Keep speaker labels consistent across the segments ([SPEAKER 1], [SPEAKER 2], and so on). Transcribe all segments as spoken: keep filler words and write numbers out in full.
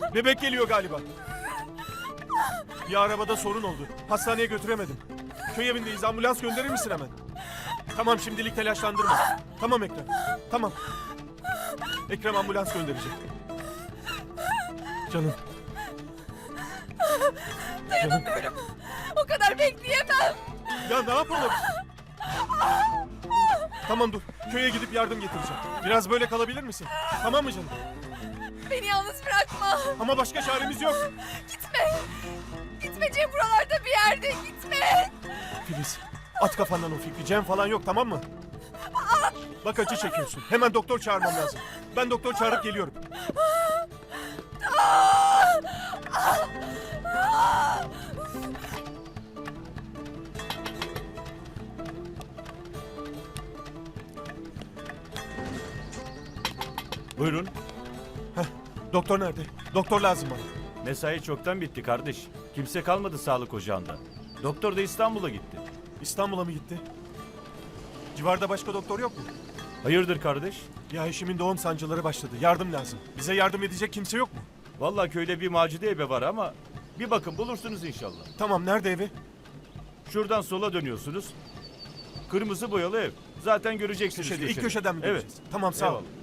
[SPEAKER 1] Bebek geliyor galiba. Bir arabada sorun oldu. Hastaneye götüremedim. Köy evindeyiz. Ambulans gönderir misin hemen? Tamam, şimdilik telaşlandırma. Tamam Ekrem. Tamam. Ekrem ambulans gönderecek. Canım.
[SPEAKER 2] Dayanamıyorum. O kadar bekleyemem.
[SPEAKER 1] Ya ne yapalım? Tamam dur. Köye gidip yardım getireceğim. Biraz böyle kalabilir misin? Tamam mı canım?
[SPEAKER 2] Beni yalnız bırakma.
[SPEAKER 1] Ama başka çaremiz yok.
[SPEAKER 2] Gitme. Gitme Cem, buralarda bir yerde gitme.
[SPEAKER 1] Filiz, at kafandan o fikri. Cem falan yok, tamam mı? Bak acı çekiyorsun. Hemen doktor çağırmam lazım. Ben doktor çağırıp geliyorum.
[SPEAKER 3] Buyurun.
[SPEAKER 1] Heh, doktor nerede? Doktor lazım bana.
[SPEAKER 3] Mesai çoktan bitti kardeş. Kimse kalmadı sağlık ocağında. Doktor da İstanbul'a gitti.
[SPEAKER 1] İstanbul'a mı gitti? Civarda başka doktor yok mu?
[SPEAKER 3] Hayırdır kardeş?
[SPEAKER 1] Ya eşimin doğum sancıları başladı. Yardım lazım. Bize yardım edecek kimse yok mu?
[SPEAKER 3] Vallahi köyde bir Macide ebe var ama bir bakın bulursunuz inşallah.
[SPEAKER 1] Tamam, nerede evi?
[SPEAKER 3] Şuradan sola dönüyorsunuz. Kırmızı boyalı ev. Zaten göreceksiniz.
[SPEAKER 1] Köşede, ilk
[SPEAKER 3] köşede.
[SPEAKER 1] köşeden mi
[SPEAKER 3] Evet.
[SPEAKER 1] göreceğiz? Tamam, sağ ol.
[SPEAKER 3] Eyvallah.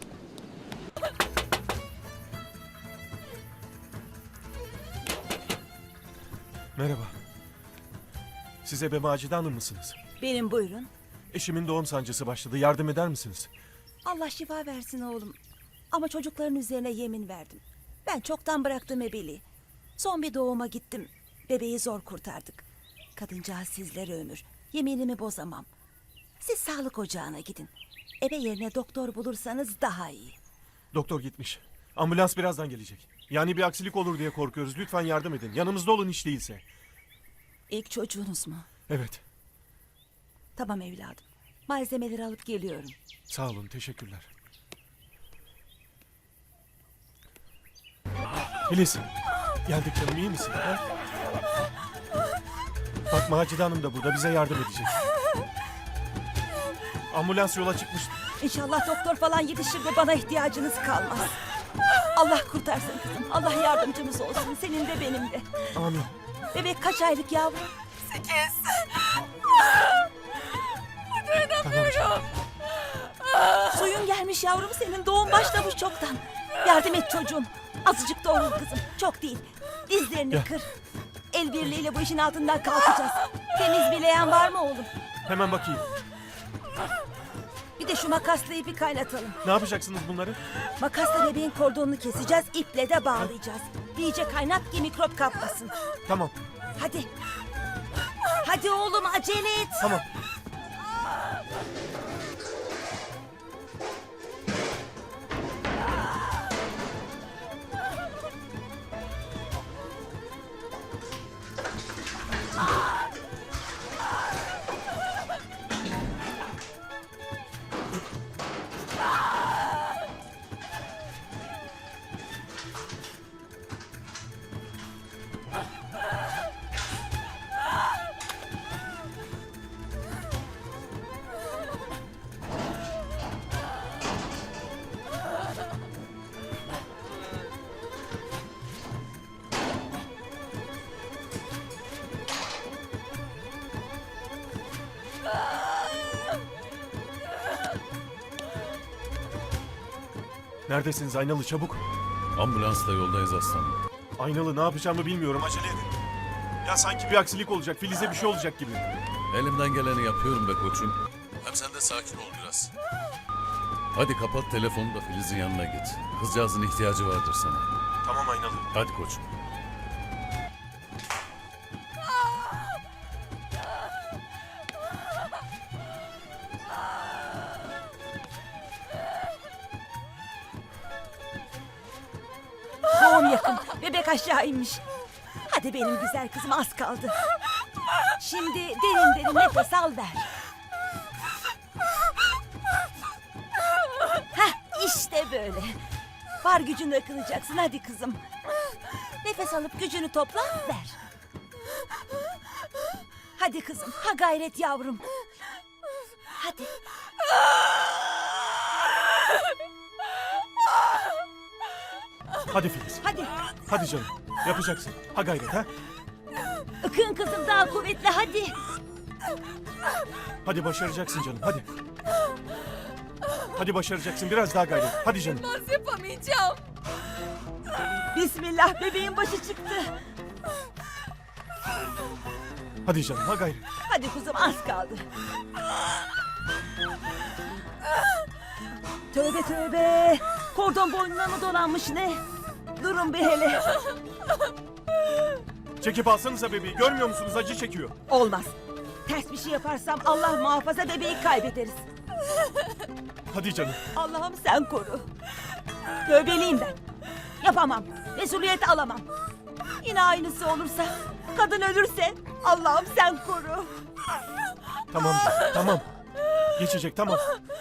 [SPEAKER 1] Merhaba. Siz Ebe Macide Hanım mısınız?
[SPEAKER 4] Benim, buyurun.
[SPEAKER 1] Eşimin doğum sancısı başladı. Yardım eder misiniz?
[SPEAKER 4] Allah şifa versin oğlum. Ama çocukların üzerine yemin verdim. Ben çoktan bıraktım ebeliği. Son bir doğuma gittim. Bebeği zor kurtardık. Kadıncağız sizlere ömür. Yeminimi bozamam. Siz sağlık ocağına gidin. Ebe yerine doktor bulursanız daha iyi.
[SPEAKER 1] Doktor gitmiş. Ambulans birazdan gelecek. Yani bir aksilik olur diye korkuyoruz. Lütfen yardım edin. Yanımızda olun hiç değilse.
[SPEAKER 4] İlk çocuğunuz mu?
[SPEAKER 1] Evet.
[SPEAKER 4] Tamam evladım. Malzemeleri alıp geliyorum.
[SPEAKER 1] Sağ olun. Teşekkürler. Filiz. Geldik canım. İyi misin? Ha? Bak Macide Hanım da burada. Bize yardım edecek. Ambulans yola çıkmış.
[SPEAKER 4] İnşallah doktor falan yetişir de bana ihtiyacınız kalmaz. Allah kurtarsın kızım. Allah yardımcımız olsun. Senin de benim de.
[SPEAKER 1] Amin.
[SPEAKER 4] Bebek kaç aylık yavrum?
[SPEAKER 2] Sekiz.
[SPEAKER 1] Tamam canım.
[SPEAKER 4] Suyun gelmiş yavrum senin. Doğum başlamış çoktan. Yardım et çocuğum. Azıcık doğrul kızım. Çok değil. Dizlerini
[SPEAKER 1] Gel.
[SPEAKER 4] kır. El birliğiyle bu işin altından kalkacağız. Temiz bileğen var mı oğlum?
[SPEAKER 1] Hemen bakayım.
[SPEAKER 4] Bir de şu makasla ipi kaynatalım.
[SPEAKER 1] Ne yapacaksınız bunları?
[SPEAKER 4] Makasla bebeğin kordonunu keseceğiz. İple de bağlayacağız. İyice kaynat ki mikrop kapmasın.
[SPEAKER 1] Tamam.
[SPEAKER 4] Hadi. Hadi oğlum acele et.
[SPEAKER 1] Tamam. Neredesiniz Aynalı, çabuk.
[SPEAKER 5] Ambulansla yoldayız aslanım.
[SPEAKER 1] Aynalı, ne yapacağımı bilmiyorum, acele edin. Ya sanki bir aksilik olacak, Filiz'e bir şey olacak gibi.
[SPEAKER 5] Elimden geleni yapıyorum be koçum. Hem sen de sakin ol biraz. Hadi kapat telefonu da Filiz'in yanına git. Kızcağızın ihtiyacı vardır sana.
[SPEAKER 1] Tamam Aynalı.
[SPEAKER 5] Hadi koçum.
[SPEAKER 4] Doğum yakın. Bebek aşağı inmiş. Hadi benim güzel kızım, az kaldı. Şimdi derin derin nefes al ver. Heh, işte böyle. Var gücünü akılacaksın, hadi kızım. Nefes alıp gücünü topla, ver. Hadi kızım, ha gayret yavrum. Hadi.
[SPEAKER 1] Hadi Filiz.
[SPEAKER 4] Hadi.
[SPEAKER 1] Hadi canım. Yapacaksın. Ha gayret ha.
[SPEAKER 4] Ikın kızım daha kuvvetli hadi.
[SPEAKER 1] Hadi başaracaksın canım. Hadi. Hadi başaracaksın. Biraz daha gayret. Hadi canım.
[SPEAKER 2] Nasıl yapamayacağım?
[SPEAKER 4] Bismillah bebeğin başı çıktı.
[SPEAKER 1] Hadi canım. Ha gayret.
[SPEAKER 4] Hadi kuzum az kaldı. Tövbe tövbe. Kordon boynuna mı dolanmış ne? Durun bir hele.
[SPEAKER 1] Çekip alsanıza bebeği. Görmüyor musunuz? Acı çekiyor.
[SPEAKER 4] Olmaz. Ters bir şey yaparsam Allah muhafaza bebeği kaybederiz.
[SPEAKER 1] Hadi canım.
[SPEAKER 4] Allah'ım sen koru. Tövbeliyim ben. Yapamam. Mesuliyet alamam. Yine aynısı olursa, kadın ölürse Allah'ım sen koru.
[SPEAKER 1] Tamam canım. Tamam. Geçecek tamam.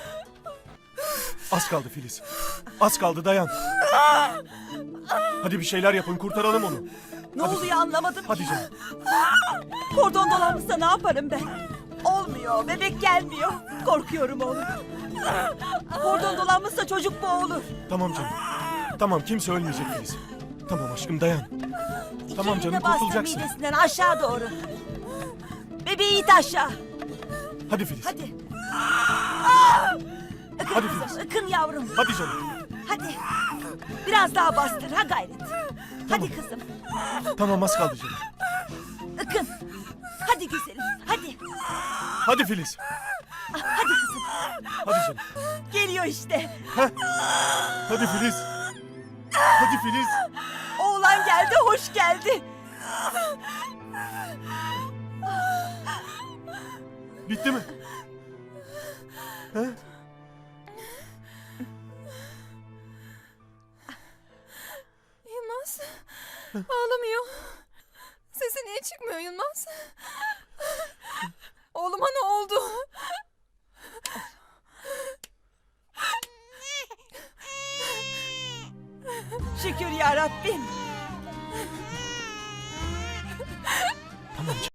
[SPEAKER 1] Az kaldı Filiz. Az kaldı dayan. Hadi bir şeyler yapın. Kurtaralım onu.
[SPEAKER 4] Ne oluyor anlamadım.
[SPEAKER 1] Hadi canım.
[SPEAKER 4] Kordon dolanmışsa ne yaparım ben? Olmuyor, bebek gelmiyor. Korkuyorum oğlum. Kordon dolanmışsa çocuk boğulur.
[SPEAKER 1] Tamam canım. Tamam kimse ölmeyecek Filiz. Tamam aşkım dayan. Tamam
[SPEAKER 4] İki
[SPEAKER 1] canım,
[SPEAKER 4] eline bastır
[SPEAKER 1] kurtulacaksın.
[SPEAKER 4] midesinden aşağı doğru. Bebeği it aşağı.
[SPEAKER 1] Hadi Filiz.
[SPEAKER 4] Hadi.
[SPEAKER 1] Hadi Filiz.
[SPEAKER 4] Ikın yavrum.
[SPEAKER 1] Hadi canım.
[SPEAKER 4] Hadi. Biraz daha bastır ha gayret. Hadi kızım.
[SPEAKER 1] Tamam az kaldı canım.
[SPEAKER 4] Ikın. Hadi güzelim. Hadi.
[SPEAKER 1] Hadi Filiz.
[SPEAKER 4] Hadi kızım.
[SPEAKER 1] Hadi canım.
[SPEAKER 4] Geliyor işte.
[SPEAKER 1] Hadi Filiz. Hadi Filiz.
[SPEAKER 4] Oğlan geldi, hoş geldi.
[SPEAKER 1] Bitti mi? He?
[SPEAKER 2] Yılmaz. Ağlamıyor. Sesi niye çıkmıyor Yılmaz? Oğluma ne oldu?
[SPEAKER 4] Şükür ya Rabbim.
[SPEAKER 1] Tamam canım.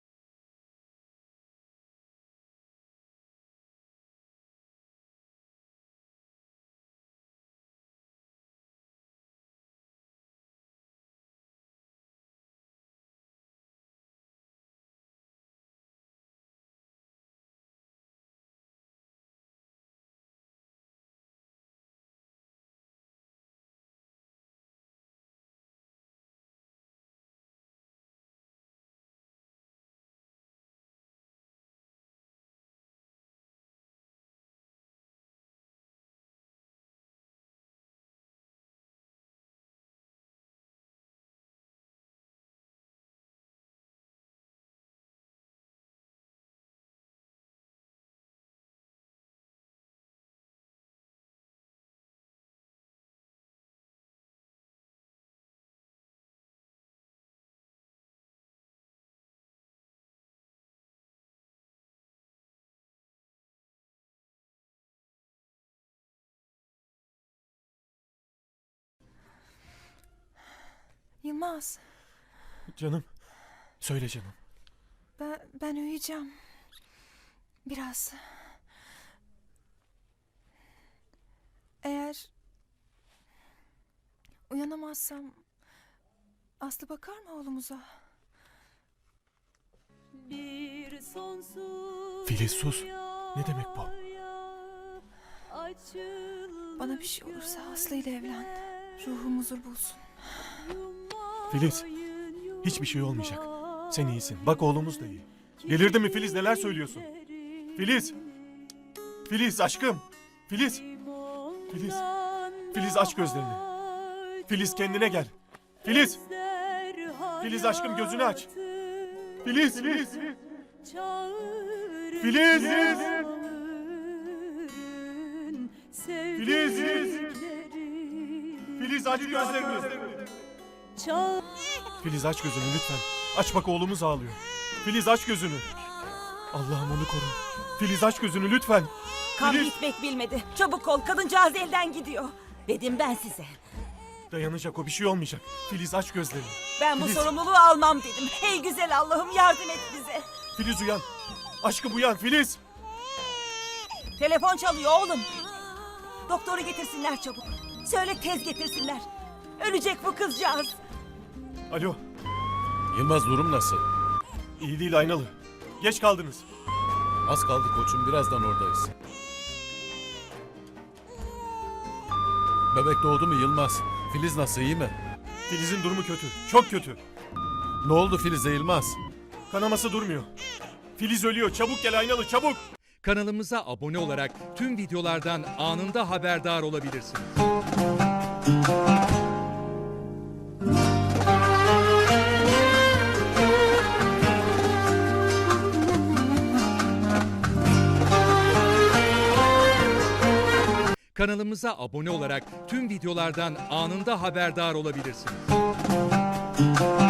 [SPEAKER 2] Yılmaz.
[SPEAKER 1] Canım. Söyle canım.
[SPEAKER 2] Ben, ben uyuyacağım. Biraz. Eğer uyanamazsam Aslı bakar mı oğlumuza?
[SPEAKER 1] Filiz sus. Ne demek bu?
[SPEAKER 2] Bana bir şey olursa Aslı ile evlen. Ruhum huzur bulsun.
[SPEAKER 1] Filiz. Hiçbir şey olmayacak. Sen iyisin. Bak oğlumuz da iyi. Delirdi mi Filiz? Neler söylüyorsun? Filiz. Filiz aşkım. Filiz. Filiz. Filiz aç gözlerini. Filiz kendine gel. Filiz. Filiz aşkım gözünü aç. Filiz. Filiz. Filiz. Filiz. Filiz aç gözlerini. Filiz aç gözünü lütfen. Aç bak oğlumuz ağlıyor. Filiz aç gözünü. Allah'ım onu koru. Filiz aç gözünü lütfen.
[SPEAKER 4] Kan
[SPEAKER 1] Filiz.
[SPEAKER 4] bitmek bilmedi. Çabuk ol, kadıncağız elden gidiyor. Dedim ben size.
[SPEAKER 1] Dayanacak o bir şey olmayacak. Filiz aç gözlerini.
[SPEAKER 4] Ben bu
[SPEAKER 1] Filiz.
[SPEAKER 4] sorumluluğu almam dedim. Hey güzel Allah'ım yardım et bize.
[SPEAKER 1] Filiz uyan. Aşkım uyan Filiz.
[SPEAKER 4] Telefon çalıyor oğlum. Doktoru getirsinler çabuk. Söyle tez getirsinler. Ölecek bu kızcağız.
[SPEAKER 1] Alo.
[SPEAKER 5] Yılmaz durum nasıl?
[SPEAKER 1] İyi değil Aynalı. Geç kaldınız.
[SPEAKER 5] Az kaldı koçum, birazdan oradayız. Bebek doğdu mu Yılmaz? Filiz nasıl, iyi mi?
[SPEAKER 1] Filiz'in durumu kötü. Çok kötü.
[SPEAKER 5] Ne oldu Filiz'e Yılmaz?
[SPEAKER 1] Kanaması durmuyor. Filiz ölüyor. Çabuk gel Aynalı, çabuk.
[SPEAKER 6] Kanalımıza abone olarak tüm videolardan anında haberdar olabilirsiniz. Kanalımıza abone olarak tüm videolardan anında haberdar olabilirsiniz.